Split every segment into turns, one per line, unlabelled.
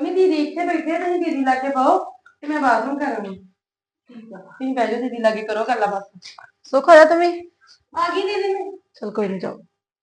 ਨਹੀਂ ਦੀਦੀ ਇੱਥੇ ਬੈਠੇ ਤੁਸੀਂ ਦੀਦੀ ਲਾਗੇ ਬਹੁ ਤੇ ਮੈਂ ਬਾਥਰੂਮ ਕਰਾਂਗੀ।
ਠੀਕ ਆ।
ਤੁਸੀਂ ਬਹਿ ਜਾਓ ਦੀਦੀ ਲਾਗੇ ਕਰੋ ਗੱਲਾਂ ਬਸ।
ਸੁੱਖ ਹੋਇਆ ਤੁਸੀਂ?
ਆ ਗਈ ਦੀਦੀ ਮੈਂ।
ਚਲ ਕੋਈ ਨਹੀਂ, ਜਾਓ।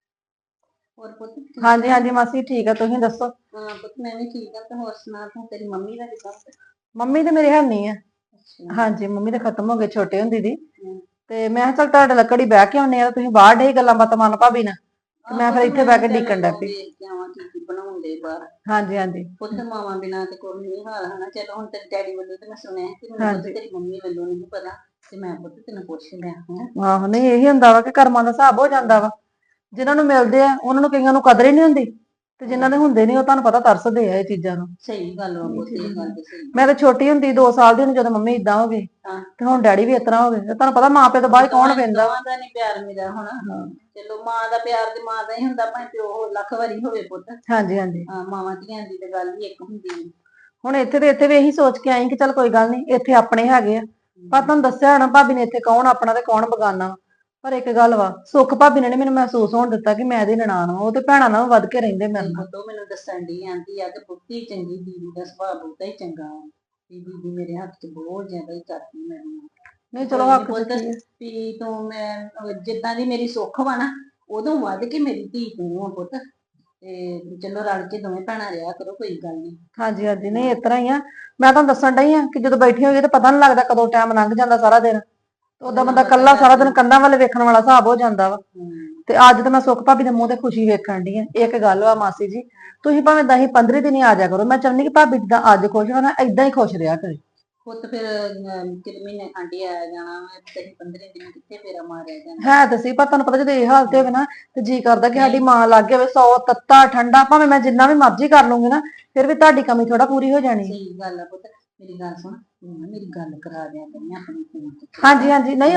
ਹੋਰ ਪੁੱਤ
ਹਾਂਜੀ ਹਾਂਜੀ ਮਾਸੀ ਠੀਕ ਆ, ਤੁਸੀਂ ਦੱਸੋ?
ਹਾਂ ਪੁੱਤ ਮੈਂ ਵੀ ਠੀਕ ਆ। ਤੇ ਹੋਰ ਸੁਣਾ ਤੂੰ, ਤੇਰੀ ਮੰਮੀ ਦਾ ਕਿੱਦਾਂ?
ਮੰਮੀ ਤੇ ਮੇਰੇ ਹੈ ਨਹੀਂ ਆ।
ਅੱਛਾ।
ਹਾਂਜੀ ਮੰਮੀ ਤਾਂ ਖਤਮ ਹੋ ਗਏ ਛੋਟੇ ਹੁੰਦੀ ਦੀ।
ਹਮ।
ਤੇ ਮੈਂ ਕਿਹਾ ਚੱਲ ਤੁਹਾਡੇ ਲੱਕੜੀ ਬਹਿ ਕੇ ਆਉਨੇ ਆ, ਤੁਸੀਂ ਬਾਹਰ ਡੇ ਗੱਲਾਂ ਬਾਤਾਂ ਮਨ ਭਾਬੀ ਨਾਲ, ਤੇ ਮੈਂ ਫਿਰ ਇੱਥੇ ਬਹਿ ਕੇ ਡੀਕਣ ਡੈ ਪਈ।
ਵੇਖ ਕੇ ਆਵਾਂ ਕੀ ਬਣਾਉਂਦੇ ਬਾਹਰ।
ਹਾਂਜੀ ਹਾਂਜੀ।
ਪੁੱਤ ਮਾਵਾਂ ਬਿਨਾਂ ਤੇ ਕੋਈ ਨਹੀਂ ਹਾਲ ਹਨਾ। ਚਲੋ ਹੁਣ ਤੇਰੇ ਡੈਡੀ ਵੱਲੋਂ ਤੇ ਮੈਂ ਸੁਣਿਆ ਕਿ ਮੈਨੂੰ ਪੁੱਤ ਤੇਰੀ ਮੰਮੀ ਵੱਲੋਂ ਨਹੀਂ ਪਤਾ, ਤੇ ਮੈਂ ਪੁੱਤ ਤੈਨੂੰ ਪੁੱਛ ਲਿਆ ਹੈ।
ਆਹੋ ਨਹੀਂ ਇਹੀ ਹੁੰਦਾ ਵਾ ਕਿ ਕਰਮਾਂ ਦਾ ਹਿਸਾਬ ਹੋ ਜਾਂਦਾ ਵਾ। ਜਿਨ੍ਹਾਂ ਨੂੰ ਮਿਲਦੇ ਆ ਉਹਨਾਂ ਨੂੰ ਕਈਆਂ ਨੂੰ ਕਦਰ ਹੀ ਨਹੀਂ ਹੁੰਦੀ, ਤੇ ਜਿਨ੍ਹਾਂ ਦੇ ਹੁੰਦੇ ਨਹੀਂ ਉਹ ਤੁਹਾਨੂੰ ਪਤਾ ਤਰਸਦੇ ਆ ਇਹ ਚੀਜ਼ਾਂ ਨੂੰ।
ਸਹੀ ਗੱਲ ਵਾ ਪੁੱਤ, ਇਹ ਗੱਲ ਤੇ ਸਹੀ।
ਮੈਂ ਤਾਂ ਛੋਟੀ ਹੁੰਦੀ 2 ਸਾਲ ਦੀ ਹੁੰਦੀ ਜਦੋਂ ਮੰਮੀ ਇਦਾਂ ਹੋ ਗਈ,
ਹਾਂ।
ਤੇ ਹੁਣ ਡੈਡੀ ਵੀ ਇਸ ਤਰ੍ਹਾਂ ਹੋ ਗਏ। ਤੇ ਤੁਹਾਨੂੰ ਪਤਾ ਮਾਂ ਪਿਓ ਤੋਂ ਬਾਅਦ ਕੌਣ ਪੈਂਦਾ।
ਦੋਵਾਂ ਦਾ ਨਹੀਂ ਪਿਆਰ ਮਿਲਿਆ ਹੋਣਾ। ਚਲੋ ਮਾਂ ਦਾ ਪਿਆਰ ਤੇ ਮਾਂ ਦਾ ਹੀ ਹੁੰਦਾ, ਭਾਵੇਂ ਪਿਓ ਲੱਖ ਵਾਰੀ ਹੋਵੇ ਪੁੱਤ।
ਹਾਂਜੀ ਹਾਂਜੀ।
ਹਾਂ ਮਾਵਾਂ ਧੀਆਂ ਦੀ ਤੇ ਗੱਲ ਵੀ ਇੱਕ ਹੁੰਦੀ ਹੈ।
ਹੁਣ ਇੱਥੇ ਵੀ ਇਹੀ ਸੋਚ ਕੇ ਆਈ ਕਿ ਚੱਲ ਕੋਈ ਗੱਲ ਨਹੀਂ, ਇੱਥੇ ਆਪਣੇ ਹੈਗੇ ਆ। ਪਰ ਤੁਹਾਨੂੰ ਦੱਸਿਆ ਹੋਣਾ ਭਾਬੀ ਨੇ ਇੱਥੇ ਕੌਣ ਆਪਣਾ ਤੇ ਕੌਣ ਬਗਾਨਾ। ਪਰ ਇੱਕ ਗੱਲ ਵਾ, ਸੁੱਖ ਭਾਬੀ ਨੇ ਨੀ ਮੈਨੂੰ ਮਹਿਸੂਸ ਹੋਣ ਦਿੱਤਾ ਕਿ ਮੈਂ ਇਹਦੀ ਨਨਾਣ ਵਾਂ। ਉਹ ਤੇ ਭੈਣਾਂ ਨਾਲੋਂ ਵੱਧ ਕੇ ਰਹਿੰਦੇ ਮੇਰੇ ਨਾਲ।
ਉਹ ਮੈਨੂੰ ਦੱਸਣ ਦੀ ਆਂਦੀ ਆ ਕਿ ਪੁੱਤੀ ਚੰਗੀ, ਦੀਦੀ ਦਾ ਸੁਭਾਅ ਬਹੁਤਾ ਹੀ ਚੰਗਾ ਵਾ। ਦੀਦੀ ਮੇਰੇ ਹੱਥ 'ਚ ਬਹੁਤ ਜ਼ਿਆਦਾ ਹੀ ਕਰਦੀ ਮੈਨੂੰ।
ਨਹੀਂ ਚਲੋ ਹੱਕ
ਵੀ ਤੂੰ ਮੈਂ ਜਿੱਦਾਂ ਦੀ ਮੇਰੀ ਸੁੱਖ ਵਾ ਨਾ, ਉਦੋਂ ਵੱਧ ਕੇ ਮੇਰੀ ਧੀ ਤੂੰ ਆ ਪੁੱਤ। ਤੇ ਚਲੋ ਰਲ ਕੇ ਦੋਵੇਂ ਭੈਣਾਂ ਰਿਹਾ ਕਰੋ, ਕੋਈ ਗੱਲ ਨਹੀਂ।
ਹਾਂਜੀ ਹਾਂਜੀ। ਨਹੀਂ ਇਸ ਤਰ੍ਹਾਂ ਹੀ ਆ। ਮੈਂ ਤੁਹਾਨੂੰ ਦੱਸਣ ਡਈ ਆ ਕਿ ਜਦੋਂ ਬੈਠੀ ਹੋਈਏ ਤਾਂ ਪਤਾ ਨੀ ਲੱਗਦਾ ਕਦੋਂ ਟਾਈਮ ਲੰਘ ਜਾਂਦਾ ਸਾਰਾ ਦਿਨ। ਉਦਾਂ ਬੰਦਾ ਕੱਲਾ ਸਾਰਾ ਦਿਨ ਕੰਧਾਂ ਵੱਲ ਵੇਖਣ ਵਾਲਾ ਹਿਸਾਬ ਹੋ ਜਾਂਦਾ ਵਾ। ਤੇ ਅੱਜ ਤਾਂ ਮੈਂ ਸੁੱਖ ਭਾਬੀ ਦੇ ਮੂੰਹ ਤੇ ਖੁਸ਼ੀ ਵੇਖਣ ਡਈ ਆ। ਇੱਕ ਗੱਲ ਵਾ ਮਾਸੀ ਜੀ, ਤੁਸੀਂ ਭਾਵੇਂ 10-15 ਦਿਨ ਹੀ ਆ ਜਾ ਕਰੋ। ਮੈਂ ਚਾਹੁੰਦੀ ਕਿ ਭਾਬੀ ਜਿੱਦਾਂ ਅੱਜ ਖੁਸ਼ ਹੋਣਾ ਏਦਾਂ ਹੀ ਖੁਸ਼ ਰਿਹਾ ਕਰੇ।
ਪੁੱਤ ਫਿਰ ਕਿਤੇ ਮਹੀਨੇ ਖੰਡ ਹੀ ਆਇਆ ਜਾਣਾ, 10-15 ਦਿਨ ਕਿੱਥੇ ਫੇਰਾ ਮਾਰਿਆ ਜਾਣਾ।
ਹੈ ਤਾਂ ਸੀ, ਪਰ ਤੁਹਾਨੂੰ ਪਤਾ ਜਦੋਂ ਇਹ ਹਾਲਤ ਹੋਵੇ ਨਾ, ਤੇ ਜੀ ਕਰਦਾ ਕਿ ਸਾਡੀ ਮਾਂ ਲੱਗੇ ਹੋਵੇ 100 ਤੱਤਾ ਠੰਡਾ, ਭਾਵੇਂ ਮੈਂ ਜਿੰਨਾ ਵੀ ਮਰਜ਼ੀ ਕਰ ਲੂੰਗੀ ਨਾ, ਫਿਰ ਵੀ ਤੁਹਾਡੀ ਕਮੀ ਥੋੜਾ ਪੂਰੀ ਹੋ ਜਾਣੀ।
ਸਹੀ ਗੱਲ ਆ ਪੁੱਤ। ਮੇਰੀ ਗੱਲ ਸੁਣ, ਮੇਰੀ ਗੱਲ ਕਰਾ ਦਿਆ ਕਰੀ ਆਪਣੇ ਫੋਨ ਤੇ।
ਹਾਂਜੀ ਹਾਂਜੀ। ਨਹੀਂ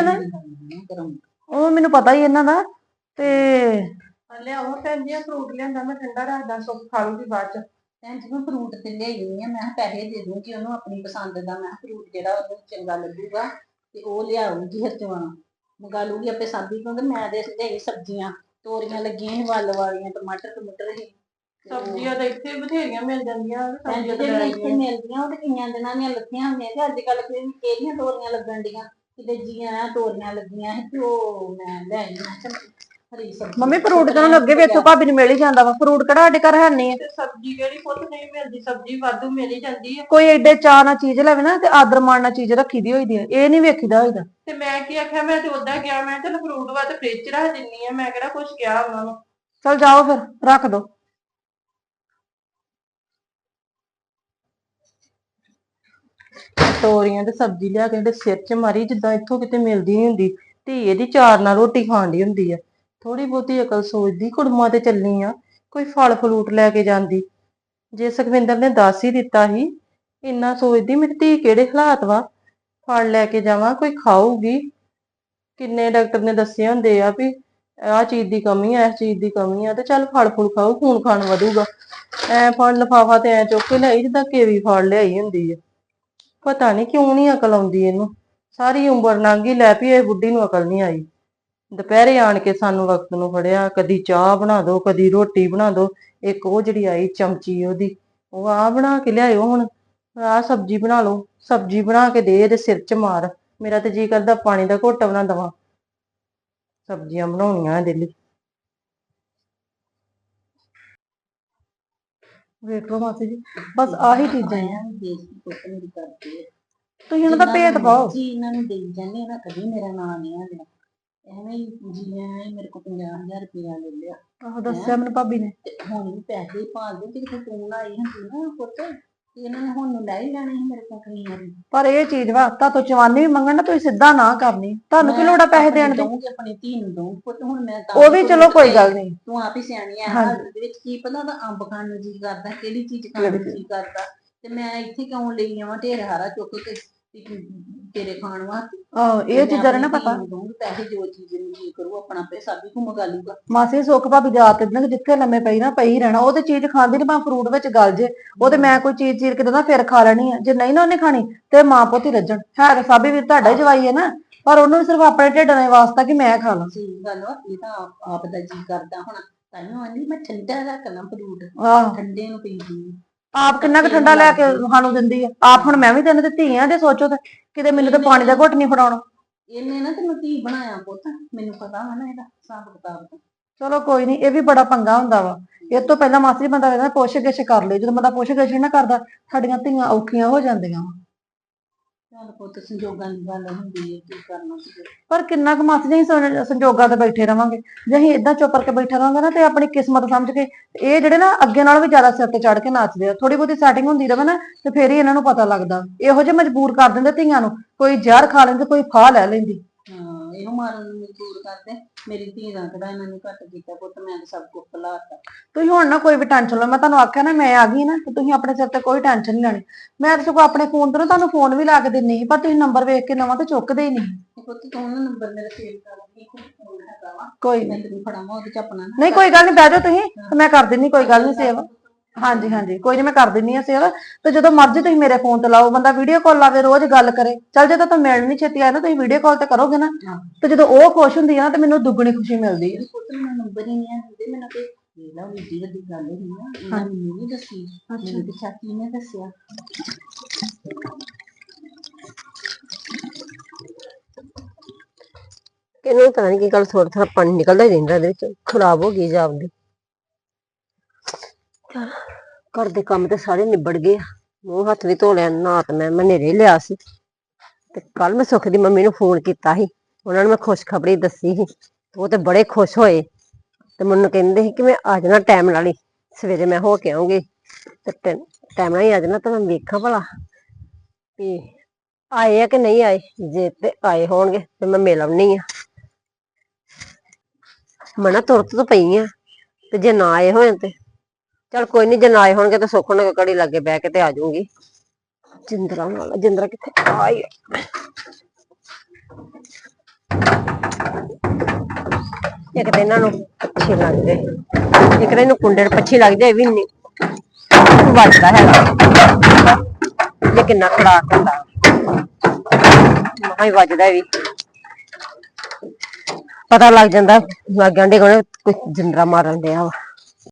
ਉਹ ਮੈਨੂੰ ਪਤਾ ਹੀ ਇਹਨਾਂ ਦਾ। ਤੇ
ਲਿਆਓ ਭੈਣ ਜੀ ਫਰੂਟ ਲਿਆਂਦਾ ਮੈਂ ਠੰਡਾ ਰੱਖਦਾ, ਸੁੱਖ ਖਾ ਲੂਗੀ ਬਾਅਦ ਚ।
ਭੈਣ ਜੀ ਮੈਂ ਫਰੂਟ ਤੇ ਲਿਆਈ ਨਹੀਂ ਆ, ਮੈਂ ਪੈਸੇ ਦੇ ਦੂੰਗੀ ਉਹਨੂੰ ਆਪਣੀ ਪਸੰਦ ਦਾ। ਮੈਂ ਫਰੂਟ ਜਿਹੜਾ ਉਹਨੂੰ ਚੰਗਾ ਲੱਗੂਗਾ ਤੇ ਉਹ ਲਿਆਊਗੀ ਹਰਚਵਾਂ ਮੰਗਾ ਲੂਗੀ ਆਪੇ ਸਾਬੀ ਕੋਲ। ਮੈਂ ਦੇ ਲਿਆਈ ਸਬਜ਼ੀਆਂ, ਤੋਰੀਆਂ ਲੱਗੀਆਂ ਸੀ ਵੱਲ ਵਾਲੀਆਂ, ਟਮਾਟਰ ਟਮੂਟਰ ਸੀ।
ਸਬਜ਼ੀਆਂ ਤਾਂ ਇੱਥੇ ਬਥੇਰੀਆਂ ਮਿਲ ਜਾਂਦੀਆਂ।
ਸਬਜ਼ੀਆਂ ਤੇ ਇੱਥੇ ਮਿਲਦੀਆਂ, ਉਹ ਤੇ ਕਈਆਂ ਦਿਨਾਂ ਦੀਆਂ ਲੱਗੀਆਂ ਹੁੰਦੀਆਂ ਤੇ ਅੱਜ ਕੱਲ ਕਿਹੜੀਆਂ ਤੋਰੀਆਂ ਲੱਗਣ ਡੀਆਂ। ਕਿਤੇ ਜੀਆਂ ਤੋਰੀਆਂ ਲੱਗੀਆਂ ਸੀ ਤੇ ਉਹ ਮੈਂ ਲੈ ਆਈ। ਹਰੀ ਸਬਜ਼ੀ
ਮੰਮੀ ਫਰੂਟ ਤਾਂ ਅੱਗੇ ਵੀ ਇੱਥੋਂ ਭਾਬੀ ਨੂੰ ਮਿਲ ਹੀ ਜਾਂਦਾ ਵਾ। ਫਰੂਟ ਕਿਹੜਾ ਸਾਡੇ ਘਰ ਹੈ ਨਹੀਂ ਆ।
ਸਬਜ਼ੀ ਕਿਹੜੀ ਪੁੱਤ ਨਹੀਂ ਮਿਲਦੀ, ਸਬਜ਼ੀ ਵਾਧੂ ਮਿਲ ਹੀ ਜਾਂਦੀ ਆ।
ਕੋਈ ਏਡੇ ਚਾਅ ਨਾਲ ਚੀਜ਼ ਲੈਵੇ ਨਾ ਤੇ ਆਦਰ ਮਾਣ ਨਾਲ ਚੀਜ਼ ਰੱਖੀ ਦੀ ਹੋਈਦੀ ਆ, ਇਹ ਨਹੀਂ ਵੇਖੀਦਾ ਹੋਈਦਾ।
ਤੇ ਮੈਂ ਕੀ ਆਖਿਆ, ਮੈਂ ਤੇ ਉਦਾਂ ਗਿਆ, ਮੈਂ ਚਲ ਫਰੂਟ ਵਾ ਤੇ ਫ੍ਰਿਜ 'ਚ ਰੱਖ ਦਿੰਨੀ ਆ। ਮੈਂ ਕਿਹੜਾ ਕੁਛ ਕਿਹਾ ਉਹਨਾਂ ਨੂੰ।
ਚਲ ਜਾਓ ਫਿਰ ਰੱਖ ਦੋ।
ਤੋਰੀਆਂ ਤੇ ਸਬਜ਼ੀ ਲਿਆ ਕੇ ਇਹਦੇ ਸਿਰ 'ਚ ਮਾਰੀ, ਜਿੱਦਾਂ ਇੱਥੋਂ ਕਿਤੇ ਮਿਲਦੀ ਨੀ ਹੁੰਦੀ। ਧੀ ਇਹਦੀ ਚਾਰ ਨਾਲ ਰੋਟੀ ਖਾਣ ਦੀ ਹੁੰਦੀ ਆ। ਥੋੜੀ ਬਹੁਤੀ ਅਕਲ ਸੋਚਦੀ, ਕੁੜਮਾਂ ਤੇ ਚੱਲੀ ਆ, ਕੋਈ ਫਲ ਫਲੂਟ ਲੈ ਕੇ ਜਾਂਦੀ। ਜੇ ਸੁਖਵਿੰਦਰ ਨੇ ਦੱਸ ਹੀ ਦਿੱਤਾ ਸੀ, ਇੰਨਾ ਸੋਚਦੀ ਮੇਰੀ ਧੀ ਕਿਹੜੇ ਹਾਲਾਤ ਵਾ, ਫਲ ਲੈ ਕੇ ਜਾਵਾਂ ਕੋਈ ਖਾਊਗੀ। ਕਿੰਨੇ ਡਾਕਟਰ ਨੇ ਦੱਸੇ ਹੁੰਦੇ ਆ ਵੀ ਆਹ ਚੀਜ਼ ਦੀ ਕਮੀ ਆ, ਇਸ ਚੀਜ਼ ਦੀ ਕਮੀ ਆ, ਤੇ ਚੱਲ ਫਲ ਫੁਲ ਖਾਓ, ਖੂਨ ਖਾਨ ਵਧੂਗਾ। ਐ ਫਲ ਲਿਫਾਫਾ ਤੇ ਐ ਚੁੱਕ ਕੇ ਲਿਆਈ ਜਿੱਦਾਂ ਕੇਵੀ ਫਲ ਲਿਆਈ ਹੁੰਦੀ ਆ। ਪਤਾ ਨੀ ਕਿਉਂ ਨੀ ਅਕਲ ਆਉਂਦੀ ਇਹਨੂੰ। ਸਾਰੀ ਉਮਰ ਲੰਘ ਗਈ, ਲੈ ਵੀ ਇਹ ਬੁੱਢੀ ਨੂੰ ਅਕਲ ਨੀ ਆਈ। ਦੁਪਹਿਰੇ ਆਣ ਕੇ ਸਾਨੂੰ ਵਕਤ ਨੂੰ ਫੜਿਆ, ਕਦੀ ਚਾਹ ਬਣਾ ਦੋ, ਕਦੀ ਰੋਟੀ ਬਣਾ ਦੋ। ਇੱਕ ਉਹ ਜਿਹੜੀ ਆਈ ਚਮਚੀ ਉਹਦੀ, ਉਹ ਆਹ ਬਣਾ ਕੇ ਲਿਆਇਓ, ਹੁਣ ਆਹ ਸਬਜ਼ੀ ਬਣਾ ਲਓ। ਸਬਜ਼ੀ ਬਣਾ ਕੇ ਦੇ ਇਹਦੇ ਸਿਰ 'ਚ ਮਾਰ। ਮੇਰਾ ਤੇ ਜੀ ਕਰਦਾ ਪਾਣੀ ਦਾ ਘੁੱਟ ਬਣਾ ਦੇਵਾਂ। ਸਬਜ਼ੀਆਂ ਬਣਾਉਣੀਆਂ ਇਹਦੇ ਲਈ। ਵੇਖ ਲਓ ਮਾਸੀ ਜੀ, ਬਸ ਆਹੀ ਚੀਜ਼ਾਂ ਆ। ਤੁਸੀਂ ਇਹਨਾਂ ਦਾ ਭੇਤ ਪਾਓ।
ਇਹਨਾਂ ਨੂੰ ਦੇਈ ਜਾਂਦੇ ਨਾ, ਕਦੀ ਮੇਰਾ ਨਾਂ ਨਹੀਂ ਲਿਆ। ਐਵੇਂ ਹੀ ਜੀ ਮੇਰੇ ਕੋਲ 50,000 ਰੁਪਇਆ ਲੈ ਲਿਆ।
ਆਹੋ ਦੱਸਿਆ ਮੈਨੂੰ ਭਾਬੀ ਨੇ।
ਤੇ ਹੁਣ ਵੀ ਪੈਸੇ ਭਾਲਦੇ, ਜੇ ਕਿਤੇ ਤੂੰ ਆਈ ਹੁੰਦੀ ਨਾ ਪੁੱਤ, ਤੇ ਇਹਨਾਂ ਨੇ ਹੁਣ ਨੂੰ ਲੈ ਹੀ ਲੈਣੇ ਸੀ ਮੇਰੇ ਕੋਲ ਕਈ ਵਾਰੀ।
ਪਰ ਇਹ ਚੀਜ਼ ਵਾ, ਤੁਹਾਤੋਂ ਚਵਾਨੀ ਵੀ ਮੰਗਣ ਨਾ, ਤੁਸੀਂ ਸਿੱਧਾ ਨਾ ਕਰਨੀ। ਤੁਹਾਨੂੰ ਕੀ ਲੋੜ ਆ ਪੈਸੇ ਦੇਣ ਦੀ?
ਆਪਣੀ ਧੀ ਨੂੰ ਦਊਂ ਪੁੱਤ। ਹੁਣ ਮੈਂ
ਉਹ ਵੀ ਚਲੋ ਕੋਈ ਗੱਲ ਨਹੀਂ,
ਤੂੰ ਆਪ ਹੀ ਸਿਆਣੀ ਆ। ਹਾਲਤ ਦੇ ਵਿੱਚ ਕੀ ਪਤਾ ਉਹਦਾ ਅੰਬ ਖਾਣ ਨੂੰ ਜੀ ਕਰਦਾ, ਕਿਹੜੀ ਚੀਜ਼ ਖਾਣ ਨੂੰ ਜੀ ਕਰਦਾ। ਤੇ ਮੈਂ ਇੱਥੇ ਕਿਉਂ ਲਈ ਆਵਾਂ ਢੇਰ ਹਾਰਾ ਚੁੱਕ ਕੇ ਤੇਰੇ ਖਾਣ ਵਾਸਤੇ।
ਆਹੋ ਇਹ ਚੀਜ਼ਾਂ ਨਾ ਪਤਾ।
ਪੈਸੇ ਜੋ ਚੀਜ਼ ਨੂੰ ਜੀ ਕਰੂ ਆਪਣਾ ਪੈਸਾ ਵੀ ਘੁੰਮ ਗਾ ਲੂਗਾ।
ਮਾਸੀ ਸੁੱਖ ਭਾਬੀ ਜਾਤ ਨਾ ਜਿੱਥੇ ਲੰਮੇ ਪਈ ਨਾ ਪਈ ਰਹਿਣਾ। ਉਹ ਤੇ ਚੀਜ਼ ਖਾਂਦੀ ਨੀ, ਭਾਵੇਂ ਫਰੂਟ ਵਿੱਚ ਗਲ ਜੇ। ਉਹ ਤੇ ਮੈਂ ਕੋਈ ਚੀਜ਼ ਚੀਰ ਕੇ ਦਿੰਦਾ ਫਿਰ ਖਾ ਲੈਣੀ ਆ। ਜੇ ਨਹੀਂ ਨਾ ਉਹਨੇ ਖਾਣੀ ਤੇ ਮਾਂ ਪੁੱਤ ਹੀ ਰੱਜਣ। ਹੈ ਤਾਂ ਸਾਬੀ ਵੀਰ ਤੁਹਾਡਾ ਹੀ ਜਵਾਈ ਹੈ ਨਾ, ਪਰ ਉਹਨੂੰ ਵੀ ਸਿਰਫ ਆਪਣੇ ਢਿੱਡ ਦਾ ਵਾਸਤਾ ਕਿ ਮੈਂ ਖਾ ਲਾਂ।
ਸਹੀ ਗੱਲ ਵਾ, ਇਹ ਤਾਂ ਆਪ ਦਾ ਜੀ ਕਰਦਾ ਹੋਣਾ। ਤਾਂਹੀਓ ਆਂਦੀ ਮੈਂ ਠੰਡਾ ਰੱਖ ਲਾਂ ਫਰੂਟ, ਠੰਡੇ ਨੂੰ ਪੀਂਦੀ।
ਆਪ ਕਿੰਨਾ ਕੁ ਠੰਡਾ ਲੈ ਕੇ ਸਾਨੂੰ ਦਿੰਦੀ ਆ। ਆਪ ਹੁਣ ਮੈਂ ਵੀ ਤੈਨੂੰ ਦਿੱਤੀ ਆ, ਜੇ ਸੋਚੋ ਤੇ ਕਿਤੇ ਮੈਨੂੰ ਤਾਂ ਪਾਣੀ ਦਾ ਘੁੱਟ ਨਹੀਂ ਫੜਾਉਣਾ।
ਇਹਨੇ ਨਾ ਤੈਨੂੰ ਧੀ ਬਣਾਇਆ ਪੁੱਤ, ਮੈਨੂੰ ਪਤਾ ਵਾ ਨਾ ਇਹਦਾ ਹਿਸਾਬ ਕਿਤਾਬ ਦਾ।
ਚਲੋ ਕੋਈ ਨਹੀਂ, ਇਹ ਵੀ ਬੜਾ ਪੰਗਾ ਹੁੰਦਾ ਵਾ। ਇਹ ਤੋਂ ਪਹਿਲਾਂ ਮਾਸੀ ਬੰਦਾ ਕਹਿੰਦਾ ਪੁੱਛ ਗਿੱਛ ਕਰ ਲਿਓ, ਜਦੋਂ ਬੰਦਾ ਪੁੱਛ ਗਿੱਛ ਨਾ ਕਰਦਾ ਸਾਡੀਆਂ ਧੀਆਂ ਔਖੀਆਂ ਹੋ ਜਾਂਦੀਆਂ ਵਾ।
ਚੱਲ ਪੁੱਤ ਸੰਜੋਗਾਂ ਦੀ ਗੱਲ ਹੁੰਦੀ ਹੈ, ਕੀ ਕਰਨਾ ਸੀ।
ਪਰ ਕਿੰਨਾ ਕੁ ਮਾਸੀ ਜੀ ਸੰਜੋਗਾਂ ਤੇ ਬੈਠੇ ਰਵਾਂਗੇ। ਜੇ ਅਸੀਂ ਏਦਾਂ ਚੁੱਪ ਕਰਕੇ ਬੈਠੇ ਰਵਾਂਗੇ ਨਾ ਤੇ ਆਪਣੀ ਕਿਸਮਤ ਸਮਝ ਕੇ, ਇਹ ਜਿਹੜੇ ਨਾ ਅੱਗੇ ਨਾਲੋਂ ਵੀ ਜ਼ਿਆਦਾ ਸਿਰ ਤੇ ਚੜ ਕੇ ਨੱਚਦੇ ਆ। ਥੋੜੀ ਬਹੁਤੀ ਸੈਟਿੰਗ ਹੁੰਦੀ ਰਵੇ ਨਾ ਤੇ ਫੇਰ ਹੀ ਇਹਨਾਂ ਨੂੰ ਪਤਾ ਲੱਗਦਾ। ਇਹੋ ਜਿਹੇ ਮਜਬੂਰ ਕਰ ਦਿੰਦੇ ਧੀਆਂ ਨੂੰ, ਕੋਈ ਜ਼ਹਿਰ ਖਾ ਲੈਂਦੇ, ਕੋਈ ਫਾਹ ਲੈ ਲੈਂਦੀ।
ਹਾਂ, ਇਹੋ ਮਾਰਨ ਨੂੰ ਮਜਬੂਰ ਕਰਦੇ। ਮੇਰੀ ਧੀ ਦਾ ਕਿਹੜਾ ਇਹਨਾਂ ਨੇ ਘੱਟ ਕੀਤਾ ਪੁੱਤ, ਮੈਂ ਤਾਂ ਸਭ ਕੁਝ ਭੁਲਾਤਾ।
ਤੁਸੀਂ ਹੁਣ ਨਾ ਕੋਈ ਵੀ ਟੈਨਸ਼ਨ ਲਓ, ਮੈਂ ਤੁਹਾਨੂੰ ਆਖਿਆ ਨਾ ਮੈਂ ਆ ਗਈ ਨਾ ਤੇ ਤੁਸੀਂ ਆਪਣੇ ਸਿਰ ਤੇ ਕੋਈ ਟੈਨਸ਼ਨ ਨਹੀਂ ਲੈਣੀ। ਮੈਂ ਤਾਂ ਸਗੋਂ ਆਪਣੇ ਫੋਨ ਤੋਂ ਨਾ ਤੁਹਾਨੂੰ ਫੋਨ ਵੀ ਲਾ ਕੇ ਦਿੰਨੀ ਸੀ, ਪਰ ਤੁਸੀਂ ਨੰਬਰ ਵੇਖ ਕੇ ਨਵਾਂ ਤੇ ਚੁੱਕਦੇ ਹੀ ਨਹੀਂ।
ਪੁੱਤ ਤੂੰ ਨਾ ਨੰਬਰ ਮੇਰਾ ਸੇਵ ਕਰ ਲਈ, ਫੋਨ ਹੈਗਾ ਵਾ,
ਕੋਈ
ਮੈਂ
ਨਹੀਂ,
ਤੈਨੂੰ ਫੜਾਵਾਂ ਉਹਦੇ ਚ ਆਪਣਾ ਨਾ।
ਨਹੀਂ ਕੋਈ ਗੱਲ ਨਹੀਂ, ਬਹਿ ਜਾਓ ਤੁਸੀਂ ਤੇ ਮੈਂ ਕਰ ਦਿੰਨੀ, ਕੋਈ ਗੱਲ ਨਹੀਂ ਸੇਵ। ਹਾਂਜੀ ਹਾਂਜੀ, ਕੋਈ ਨਹੀਂ, ਮੈਂ ਕਰ ਦਿੰਨੀ ਆ ਸੇਵ। ਤੇ ਜਦੋਂ ਮਰਜ਼ੀ ਤੁਸੀਂ ਮੇਰੇ ਫੋਨ ਤੇ ਲਾਓ, ਬੰਦਾ ਵੀਡੀਓ ਕਾਲ ਲਾਵੇ, ਰੋਜ਼ ਗੱਲ ਕਰੇ। ਚੱਲ ਜੇ ਤਾਂ ਤੁਹਾਨੂੰ ਮਿਲਣ ਨਹੀਂ ਛੇਤੀ ਆਇਆ ਨਾ, ਤੁਸੀਂ ਵੀਡੀਓ ਕਾਲ ਤੇ ਕਰੋਗੇ ਨਾ, ਤੇ ਜਦੋਂ ਉਹ ਖੁਸ਼ ਹੁੰਦੀ ਆ ਨਾ ਤੇ ਮੈਨੂੰ ਦੁੱਗਣੀ ਖੁਸ਼ੀ ਮਿਲਦੀ ਹੈ।
ਪੁੱਤ ਮੈਨੂੰ ਨੰਬਰ ਹੀ ਨਹੀਂ ਆਉਂਦੇ, ਮੈਨੂੰ ਤੇ ਵੇਲਾ ਵੱਡੀ ਵੱਡੀ ਗੱਲ ਹੋਈ ਨਾ, ਇਹਨਾਂ ਮੈਨੂੰ ਨਹੀਂ ਦੱਸੀ, ਮੈਨੂੰ ਤੇ ਚਾਚੀ ਨੇ ਦੱਸਿਆ।
ਇਹਨੂੰ ਪਤਾ ਨੀ ਕੀ ਗੱਲ, ਥੋੜਾ ਥੋੜਾ ਪਾਣੀ ਨਿਕਲਦਾ ਹੀ ਰਹਿੰਦਾ ਇਹਦੇ ਵਿੱਚ, ਖਰਾਬ ਹੋ ਗਈ ਜਾਪਦੀ। ਘਰ ਦੇ ਕੰਮ ਤੇ ਸਾਰੇ ਨਿਬੜ ਗਏ ਆ, ਮੂੰਹ ਹੱਥ ਵੀ ਧੋ ਲਿਆ, ਨਹਾ ਤੇ ਮੈਂ ਹਨੇਰੇ ਲਿਆ ਸੀ। ਤੇ ਕੱਲ ਮੈਂ ਸੁੱਖ ਦੀ ਮੰਮੀ ਨੂੰ ਫੋਨ ਕੀਤਾ ਸੀ, ਉਹਨਾਂ ਨੂੰ ਮੈਂ ਖੁਸ਼ਖਬਰੀ ਦੱਸੀ ਸੀ, ਉਹ ਤੇ ਬੜੇ ਖੁਸ਼ ਹੋਏ ਤੇ ਮੈਨੂੰ ਕਹਿੰਦੇ ਸੀ ਕਿ ਮੈਂ ਆ ਜਾਣਾ ਟਾਈਮ ਨਾਲ ਹੀ, ਸਵੇਰੇ ਮੈਂ ਹੋ ਕੇ ਆਉਂਗੀ ਤੇ ਟਾਈਮ ਨਾਲ ਹੀ ਆ ਜਾਣਾ। ਤਾਂ ਮੈਂ ਵੇਖਾਂ ਭਲਾ ਵੀ ਆਏ ਆ ਕਿ ਨਹੀਂ ਆਏ, ਜੇ ਤੇ ਆਏ ਹੋਣਗੇ ਤੇ ਮੈਂ ਮਿਲ ਆਉਣੀ ਆ। ਮੈਂ ਨਾ ਤੁਰਤ ਤੋਂ ਪਈ ਆ, ਤੇ ਜੇ ਨਾ ਆਏ ਹੋਣ ਤੇ ਚੱਲ ਕੋਈ ਨੀ, ਜੇ ਨਾ ਆਏ ਹੋਣਗੇ ਤਾਂ ਸੁੱਖ ਨਾਲ ਘੜੀ ਲਾਗੇ ਬਹਿ ਕੇ ਤੇ ਆ ਜਾਊਂਗੀ। ਜਿੰਦਰਾ ਨਾਲ, ਜਿੰਦਰਾ ਕਿੱਥੇ ਆਈ, ਇੱਕ ਤਾਂ ਇਹਨਾਂ ਨੂੰ ਅੱਛੇ ਲੱਗਦੇ, ਇੱਕ ਤਾਂ ਇਹਨੂੰ ਕੁੰਡੇ ਨੂੰ ਪੱਛੀ ਲੱਗਦੇ, ਇਹ ਵੀ ਨਹੀਂ ਵੱਜਦਾ ਹੈਗਾ। ਇਹ ਕਿੰਨਾ ਖੜਾਕ ਹੁੰਦਾ, ਮਹਾ ਹੀ ਵੱਜਦਾ ਵੀ, ਪਤਾ ਲੱਗ ਜਾਂਦਾ ਲਾਗੇ ਆਂਢੇ ਕੋਲ ਕੁਝ ਜਿੰਦਰਾ ਮਾਰਨ ਡਿਆ ਵਾ।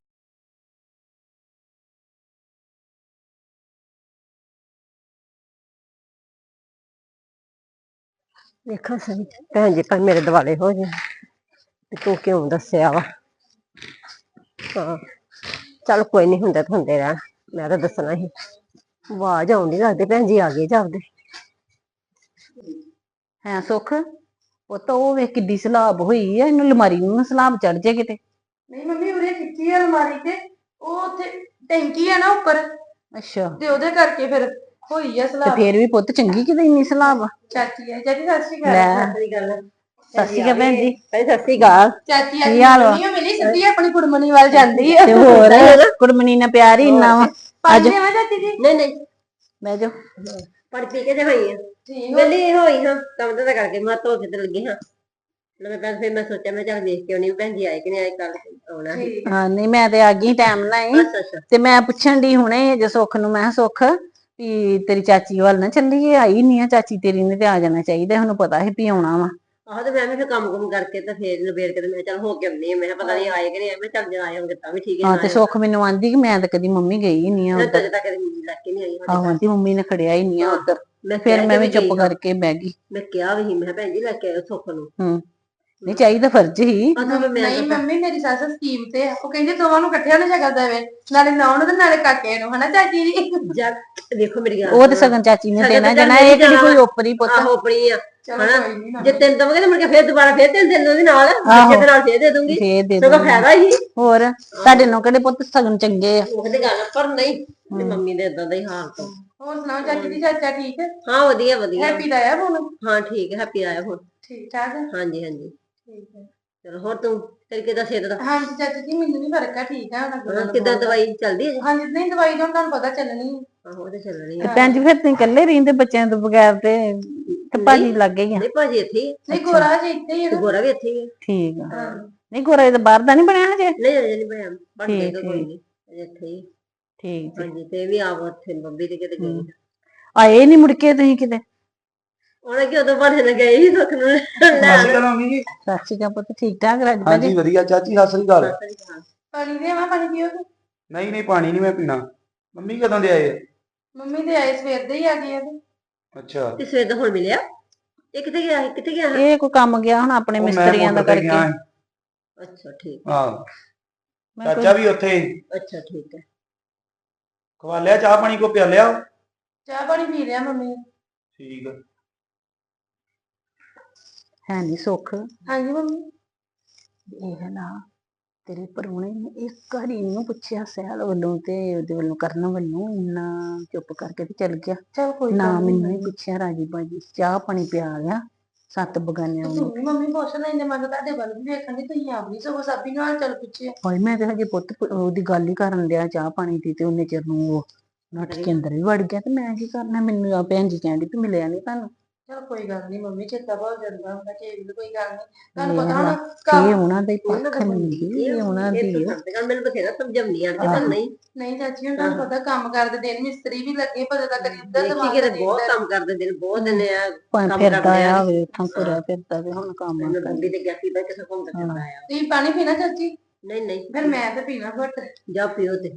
ਦੇਖਾਂ ਸਹੀ ਭੈਣ ਜੀ ਭਾਵੇਂ ਮੇਰੇ ਦੁਆਲੇ ਹੋ ਜਾਣ ਤੇ ਤੂੰ ਕਿਉਂ ਦੱਸਿਆ ਵਾ। ਹਾਂ ਚੱਲ ਕੋਈ ਨੀ, ਹੁੰਦੇ ਤਾਂ ਹੁੰਦੇ ਰਹਿਣ, ਮੈਂ ਤਾਂ ਦੱਸਣਾ ਸੀ। ਆਵਾਜ਼ ਆਉਂਦੀ, ਲੱਗਦੇ ਭੈਣ ਜੀ ਆ ਗਏ ਜਾਪਦੇ।
ਹੈ ਸੁੱਖ, ਉਹ ਤਾਂ ਉਹ ਵੇਖ ਕਿੱਡੀ ਸਲਾਬ ਹੋਈ ਆ, ਇਹਨੂੰ ਅਲਮਾਰੀ ਨੂੰ ਨਾ ਸਲਾਬ ਚੜ ਜੇ ਕਿਤੇ।
ਨਹੀਂ ਮੰਮੀ, ਉਰੇ ਖਿੱਚੀ ਆ ਅਲਮਾਰੀ ਤੇ, ਉਹ ਉੱਥੇ ਟੈਂਕੀ ਆ ਨਾ ਉੱਪਰ,
ਅੱਛਾ,
ਤੇ ਉਹਦੇ ਕਰਕੇ ਫਿਰ ਹੋਈ ਆ
ਤੇ
ਸਲਾਬ।
ਫੇਰ ਵੀ ਪੁੱਤ ਚੰਗੀ ਕਿਤੇ ਇੰਨੀ ਸਲਾਬ ਆ।
ਚਾਚੀ ਆ, ਚਾਚੀ ਸਤਿ ਸ਼੍ਰੀ ਅਕਾਲ।
ਲੈ ਸਤਿ ਸ਼੍ਰੀ ਅਕਾਲ ਭੈਣ ਜੀ। ਸਤਿ ਸ਼੍ਰੀ ਅਕਾਲ।
ਚਾਚੀ
ਕੀ ਹਾਲ ਵਾ?
ਨਹੀਂ ਉਹ ਮਿਲੀ, ਸਿੱਧੀ ਆਪਣੀ ਕੁੜਮਣੀ ਵੱਲ ਜਾਂਦੀ ਆ।
ਤੇ ਹੋਰ ਕੁੜਮਣੀ ਨਾਲ ਪਿਆਰ ਹੀ ਇੰਨਾ ਵਾ।
ਪਾਣੀ ਦੇਵਾਂ ਚਾਚੀ ਜੀ?
ਨਹੀਂ ਨਹੀਂ,
ਬਹਿ ਜਾ।
ਪੜ ਪੀ ਕੇ ਤੇ ਹੋਈ ਆ,
ਠੀਕ
ਵੇਲੀ ਹੋਈ ਹਾਂ, ਕੰਮ ਤਾਂ ਕਰਕੇ ਮੈਂ ਧੋ ਕੇ ਤੇ ਲੱਗੀ ਹਾਂ। ਮੈਂ ਤਾਂ ਫਿਰ ਮੈਂ ਸੋਚਿਆ ਮੈਂ ਚੱਲ ਵੇਖ ਕੇ ਆਉਣੀ ਭੈਣ ਜੀ ਆਏ ਕਿ ਨਹੀਂ ਆਏ, ਕੱਲ ਆਉਣਾ ਸੀ।
ਹਾਂ ਨਹੀਂ, ਮੈਂ ਤੇ ਆ ਗਈ ਟਾਈਮ ਨਾਲ ਹੀ।
ਅੱਛਾ ਅੱਛਾ,
ਤੇ ਮੈਂ ਪੁੱਛਣ ਦੀ ਹੁਣੇ ਜੇ ਸੁੱਖ ਨੂੰ, ਮੈਂ ਕਿਹਾ ਸੁੱਖ ਵੀ ਤੇਰੀ ਚਾਚੀ ਵੱਲ ਨਾ ਚੱਲੀਏ, ਆਈ ਨਹੀਂ ਆ ਚਾਚੀ ਤੇਰੀ ਨੇ, ਤੇ ਆ ਜਾਣਾ ਚਾਹੀਦਾ, ਉਹਨੂੰ ਪਤਾ ਸੀ ਵੀ ਆਉਣਾ ਵਾ।
ਆਹੋ ਤੇ ਮੈਂ ਵੀ ਫਿਰ ਕੰਮ ਕੁਮ ਕਰਕੇ ਤੇ ਫੇਰ ਨਿਬੇੜ ਕੇ ਤੇ ਮੈਂ ਚੱਲ ਹੋ ਕੇ ਆਉਣੀ ਆ। ਮੈਂ ਕਿਹਾ ਪਤਾ ਨਹੀਂ ਆਏ ਕਿ ਨਹੀਂ ਆਏ, ਮੈਂ ਚੱਲ ਜੇ ਆਏ ਹੋਣਗੇ ਤਾਂ ਵੀ ਠੀਕ ਹੈ।
ਹਾਂ ਤੇ ਸੁੱਖ ਮੈਨੂੰ ਆਂਦੀ ਕਿ ਮੈਂ ਤਾਂ ਕਦੀ ਮੰਮੀ ਗਈ ਹੀ ਨਹੀਂ ਆ ਉੱਧਰ।
ਅਜੇ ਤੱਕ ਮੰਮੀ ਲੈ ਕੇ ਨਹੀਂ ਆਈ
ਆਹੋ ਆਂਦੀ ਮੰਮੀ ਨੇ ਖੜਿਆ ਹੀ ਨਹੀਂ ਆ ਉੱਧਰ।
ਮੈਂ
ਫਿਰ ਮੈਂ ਵੀ ਚੁੱਪ ਕਰਕੇ ਬਹਿ ਗਈ।
ਮੈਂ ਕਿਹਾ ਵੀ ਸੀ, ਮੈਂ ਭੈਣ ਜੀ ਲੈ ਕੇ ਆਇਓ ਸੁੱਖ ਨੂੰ।
ਨਹੀਂ ਚਾਹੀਦਾ, ਫਰਜ਼ ਹੀ।
ਨਹੀਂ ਮੰਮੀ, ਮੇਰੀ ਸੱਸ ਸਕੀਮ ਤੇ ਆ, ਉਹ ਕਹਿੰਦੀ ਦੋਵਾਂ ਨੂੰ ਇਕੱਠਿਆਂ ਨੂੰ ਸ਼ਕਲ ਦੇਵੇ, ਨਾਲੇ ਨੌਂ ਨੂੰ ਤੇ ਨਾਲੇ ਕਾਕੇ ਨੂੰ, ਹਨਾ ਚਾਚੀ ਜੀ?
ਦੇਖੋ ਮੇਰੀ ਗੱਲ,
ਉਹ ਤੇ ਸਗਨ ਚਾਚੀ ਨੇ ਦੇਣਾ ਜਾਣਾ, ਇਹ ਕਿਹੜੀ ਕੋਈ ਓਪਰੀ ਪੁੱਤ।
ਆਹੋ ਆਪਣੀ ਆ
ਚਲੋ
ਹਨਾ,
ਕੋਈ ਨੀ,
ਜੇ ਤੈਨੂੰ ਦਵਾਂਗੇ ਤਾਂ ਮੁੜ ਕੇ ਫੇਰ ਦੁਬਾਰਾ ਫੇਰ ਤੈਨੂੰ ਦੇ ਦੂੰਗੀ ਨਾਲ, ਬੱਚੇ ਦੇ ਨਾਲ ਫੇਰ ਦੇ ਦੂੰਗੀ,
ਫੇਰ ਦੇ
ਸਗੋਂ ਫਾਇਦਾ ਹੀ।
ਹੋਰ ਤੁਹਾਡੇ ਨੂੰ ਕਿਹੜੇ ਪੁੱਤ ਸਗਨ ਚੰਗੇ ਆ?
ਉਹ ਤੇ ਗੱਲ, ਪਰ ਨਹੀਂ ਮੰਮੀ ਦੇ ਇਦਾਂ ਦਾ ਹੀ ਹਾਲ ਤੋਂ।
ਹੋਰ ਸੁਣਾਓ ਚਾਚੀ ਦੀ, ਚਾਚਾ ਠੀਕ ਹੈ?
ਹਾਂ ਵਧੀਆ ਵਧੀਆ,
ਹੈਪੀ ਦਾ ਆਇਆ ਫੋਨ?
ਹਾਂ ਠੀਕ ਹੈ, ਹੈਪੀ ਆਇਆ ਹੁਣ।
ਠੀਕ ਠਾਕ ਹੈ?
ਹਾਂਜੀ ਹਾਂਜੀ,
ਠੀਕ ਹੈ।
ਚਲੋ ਹੋਰ ਤੂੰ ਤੇਰੀ ਕਿੱਦਾਂ ਸਿਹਤ ਦਾ?
ਹਾਂਜੀ ਚਾਚੀ ਜੀ, ਮੈਨੂੰ ਵੀ ਫਰਕ ਆ, ਠੀਕ ਆ ਹੁਣ।
ਕਿੱਦਾਂ ਦਵਾਈ ਚੱਲਦੀ ਹੈ?
ਹਾਂਜੀ, ਨਹੀਂ ਦਵਾਈ ਤਾਂ ਤੁਹਾਨੂੰ ਪਤਾ ਚੱਲਣੀ ਹੈ।
ਆਹੋ ਉਹ ਤੇ ਚੱਲਣੀ
ਤੇ
ਹੈ।
ਭੈਣ ਜੀ ਫਿਰ ਤੁਸੀਂ ਇਕੱਲੇ ਰਹਿੰਦੇ ਬੱਚਿਆਂ ਤੋਂ ਬਗੈਰ, ਤੇ ਭਾਜੀ ਲੱਗ ਗਈ ਆ?
ਨਹੀਂ ਭਾਜੀ ਇੱਥੇ ਹੀ
ਨਹੀਂ ਗੋਰਾ ਜੀ ਇੱਥੇ ਹੀ ਹੈ
ਤੇ
ਨਾ।
ਗੋਰਾ ਵੀ ਇੱਥੇ ਹੀ ਹੈ।
ਠੀਕ ਆ। ਨਹੀਂ ਗੋਰਾ ਇਹਦਾ ਬਾਹਰ ਦਾ ਨਹੀਂ ਬਣਿਆ ਹਜੇ?
ਨਹੀਂ ਅਜੇ ਨਹੀਂ ਬਣਿਆ, ਬਣ ਜਾਏਗਾ ਕੋਈ ਨਹੀਂ, ਅਜੇ ਇੱਥੇ ਹੀ।
ਠੀਕ
ਹਾਂਜੀ, ਤੇ ਇਹ ਵੀ ਆਪ ਉੱਥੇ ਬੰਬੀ ਤੇ ਕਿਤੇ ਗਈ।
ਆਏ ਨਹੀਂ ਮੁੜ ਕੇ ਤੁਸੀਂ ਕਿਤੇ?
ਉਹਨੇ ਕਿ ਉਦੋਂ ਬਹਾਨੇ ਨਾਲ ਗਏ ਸੀ ਸੁੱਖ ਨੂੰ ਲੈਣ।
ਸਤਿ ਸ਼੍ਰੀ ਅਕਾਲ ਜੀ।
ਸਤਿ ਸ਼੍ਰੀ ਅਕਾਲ ਪੁੱਤ, ਠੀਕ ਠਾਕ ਰਾਜ
ਹਾਂਜੀ
ਭਾਜੀ?
ਵਧੀਆ ਚਾਚੀ, ਸਤਿ ਸ਼੍ਰੀ ਅਕਾਲ।
ਪਾਣੀ ਦੇਵਾਂ? ਪਾਣੀ ਪੀਓਗੇ?
ਨਹੀਂ ਨਹੀਂ, ਪਾਣੀ ਨਹੀਂ ਮੈਂ ਪੀਣਾ, ਮੰਮੀ ਕਦੋਂ ਦੇ ਆਏ ਆ?
ਮੰਮੀ ਦੇ ਆਏ ਸਵੇਰ ਦੇ ਹੀ ਆ ਗਏ ਆ ਤੇ।
ਅੱਛਾ
ਤੇ ਸਵੇਰ ਦਾ ਹੁਣ ਮਿਲਿਆ? ਇਹ ਕਿੱਥੇ ਗਿਆ ਸੀ? ਕਿੱਥੇ ਗਿਆ ਸੀ?
ਇਹ ਕੋਈ ਕੰਮ ਗਿਆ ਹੁਣ ਆਪਣੇ
ਉਹ ਮੈਂ
ਮਿਸਤਰੀਆਂ ਦਾ
ਮੋਟਰ ਤੇ
ਕਰਕੇ।
ਗਿਆ ਸੀ।
ਅੱਛਾ ਠੀਕ
ਹਾਂ
ਮੈਂ
ਚਾਚਾ ਵੀ ਉੱਥੇ ਹੀ।
ਅੱਛਾ ਠੀਕ ਹੈ।
ਖਵਾ ਲਿਆ ਚਾਹ ਪਾਣੀ ਕੋ ਪਿਆ ਲਿਆ?
ਚਾਹ ਪਾਣੀ ਪੀ ਲਿਆ ਮੰਮੀ ਨੇ।
ਠੀਕ ਆ।
ਹੈ ਨਹੀਂ ਸੁੱਖ
ਹਾਂਜੀ ਮੰਮੀ।
ਇਹ ਹੈ ਨਾ ਤੇਰੇ ਪਰੋਣੇ ਨੇ ਇੱਕ ਵਾਰੀ ਨੂੰ ਪੁੱਛਿਆ ਸਹਿਲ ਵੱਲੋਂ ਤੇ ਉਹਦੇ ਵੱਲੋਂ ਕਰਨ ਵੱਲੋਂ ਇੰਨਾ ਚੁੱਪ ਕਰਕੇ ਤੇ ਚੱਲ ਗਿਆ।
ਚਲ ਕੋਈ
ਨਾ
ਗੱਲ ਨੀ
ਮੈਨੂੰ ਹੀ ਪੁੱਛਿਆ ਰਾਜੀ ਬਾਜੀ ਚਾਹ ਪਾਣੀ ਪਿਆ ਗਿਆ 7 ਬਗਾਨਿਆਂ ਨੂੰ।
ਤੁਸੀਂ ਮੰਮੀ ਪੁੱਛ ਲੈਂਦੇ ਮੈਂ ਤਾਂ ਤੁਹਾਡੇ ਵੱਲ ਵੀ ਵੇਖਣ ਦੀ ਤੁਸੀਂ ਆਪ ਨਹੀਂ ਸਗੋਂ ਸਾਬੀ ਨਾਲ ਚੱਲ ਪੁੱਛਿਆ।
ਭਾਈ ਮੈਂ ਤੇ ਹਜੇ ਪੁੱਤ ਉਹਦੀ ਗੱਲ ਹੀ ਕਰਨ ਡਿਆ ਚਾਹ ਪਾਣੀ ਦੀ ਤੇ ਉਹਨੇ ਚਿਰ ਨੂੰ ਉਹ ਨੱਠ ਕੇ ਅੰਦਰ ਵੀ ਵੜ ਗਿਆ ਤੇ ਮੈਂ ਕੀ ਕਰਨਾ ਮੈਨੂੰ ਆ ਭੈਣ ਜੀ ਕਹਿੰਦੀ ਵੀ ਮਿਲਿਆ ਨਹੀਂ ਤੁਹਾਨੂੰ।
ਚਲ ਕੋਈ ਗੱਲ ਨਹੀਂ ਮੰਮੀ ਚੇਤਾ ਭੁੱਲ ਜਾਂਦਾ ਹੁੰਦਾ ਕਿ ਇਹ ਵੀ ਕੋਈ ਗੱਲ ਨਹੀਂ ਤੁਹਾਨੂੰ
ਇਹ
ਪਤਾ
ਵਾ,
ਹੁਣ
ਇਹ ਉਹਨਾਂ ਦਾ ਹੀ ਪੱਖ ਨਹੀਂ ਇਹ ਉਹਨਾਂ ਦੀ
ਇਹ
ਓ।
ਤਾਂ ਗੱਲ ਮੈਨੂੰ ਬਥੇਰਾ ਸਮਝਾਉਣੀ ਆਣ ਕੇ ਪਰ ਨਹੀਂ
ਨਹੀਂ ਚਾਚੀ ਹੁਣ ਤੁਹਾਨੂੰ ਪਤਾ ਕੰਮ ਕਰਦੇ ਦਿਨ ਮਿਸਤਰੀ ਵੀ ਲੱਗੇ ਪਤਾ ਤਾਂ ਕਰੀ ਉੱਧਰ
ਦੇਖੀ
ਦਿਮਾਗ
ਕਿਤੇ
ਤੇ
ਬਹੁਤ ਕੰਮ ਕਰਦੇ ਦਿਨ ਬਹੁਤ ਦਿਨ ਆ
ਭਾਵੇਂ
ਕੰਮ
ਫਿਰਦਾ
ਕਰਦੇ ਆ।
ਆ ਵੇ ਉੱਥੋਂ ਤੁਰਿਆ ਫਿਰਦਾ ਤੇ ਹੁਣ ਕੰਮ
ਮੈਨੂੰ
ਕਰ
ਬੰਦੀ ਤੇ ਗਿਆ ਸੀ ਕਿਸੇ ਘੁੰਮਦਾ ਫਿਰਦਾ ਆ।
ਤੁਸੀਂ ਪਾਣੀ ਪੀਣਾ ਚਾਚੀ?
ਨਹੀਂ ਨਹੀਂ
ਫਿਰ ਮੈਂ ਤੇ ਪੀਣਾ ਘੁੱਟ।
ਜਾ ਪਿਓ ਤੇ